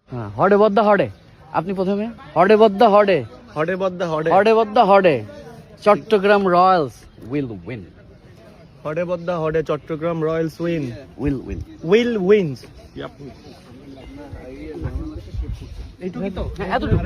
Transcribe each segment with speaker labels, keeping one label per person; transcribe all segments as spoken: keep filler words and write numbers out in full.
Speaker 1: হ্যাঁ, হডে বদ্দা হডে। আপনি প্রথমে হডে বদ্দা হডে
Speaker 2: হডে বদ্দা হডে
Speaker 1: হডে বদ্দা হডে চট্টগ্রাম রয়্যালস উইল উইন
Speaker 2: হডে বদ্দা হডে Chattogram Royals win
Speaker 1: will win
Speaker 2: will wins
Speaker 1: এইটুকুই তো, হ্যাঁ এতটুকু।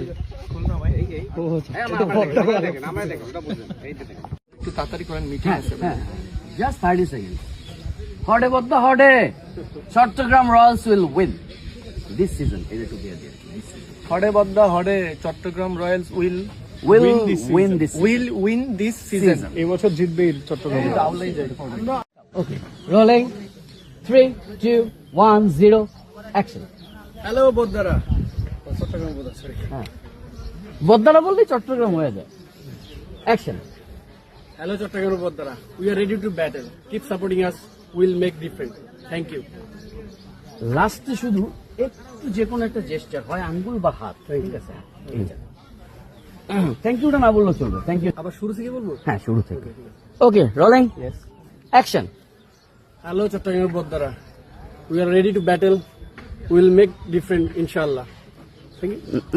Speaker 2: একটু তাড়াতাড়ি করেন, মিটিং
Speaker 1: হ্যাঁ
Speaker 2: আছে।
Speaker 1: হ্যাঁ জাস্ট থার্টি সেকেন্ড। হডে বদ্দা হডে Chattogram Royals will win this season. এইটুকু দিয়ে দিয়ে
Speaker 2: হডে বদ্দা হডে Chattogram Royals will
Speaker 1: will win this
Speaker 2: will win this season.
Speaker 1: Season.
Speaker 2: এই বছর জিতবে Chattogram.
Speaker 1: Okay rolling three two one zero action.
Speaker 2: Hello বদ্দারা, চট্টগ্রাম বদ্দা সরি
Speaker 1: হ্যাঁ বদ্দারা বললেই চট্টগ্রাম হয়ে যায়। অ্যাকশন।
Speaker 2: হ্যালো চট্টগ্রাম বদ্দারা, we are ready to battle, keep supporting us, will make different, thank you.
Speaker 1: লাস্টে শুধু একটু যে কোনো একটা জেস্টার হয়, আঙ্গুল বা হাত, ঠিক আছে? এইটা থ্যাংক ইউটা না বললেও চলবে। থ্যাংক ইউ
Speaker 2: আবার শুরু থেকে বলবো?
Speaker 1: হ্যাঁ শুরু থেকে। Okay rolling action.
Speaker 2: Hello Chattogram বদ্দারা, we are ready to battle, will make different ইনশাআল্লাহ, থ্যাংক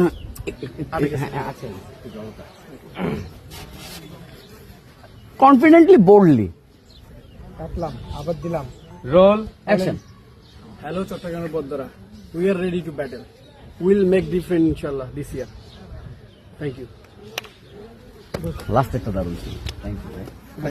Speaker 2: ইউ।
Speaker 1: কনফিডেন্টলি বোল্ডলি
Speaker 2: কাটলাম, আবার দিলাম।
Speaker 1: Roll action.
Speaker 2: হ্যালো চট্টগ্রামের বদ্দারা, we are ready to battle, will make different ইনশাআল্লাহ this year, thank you.
Speaker 1: Last একটা দারুণ ছিল। Thank you.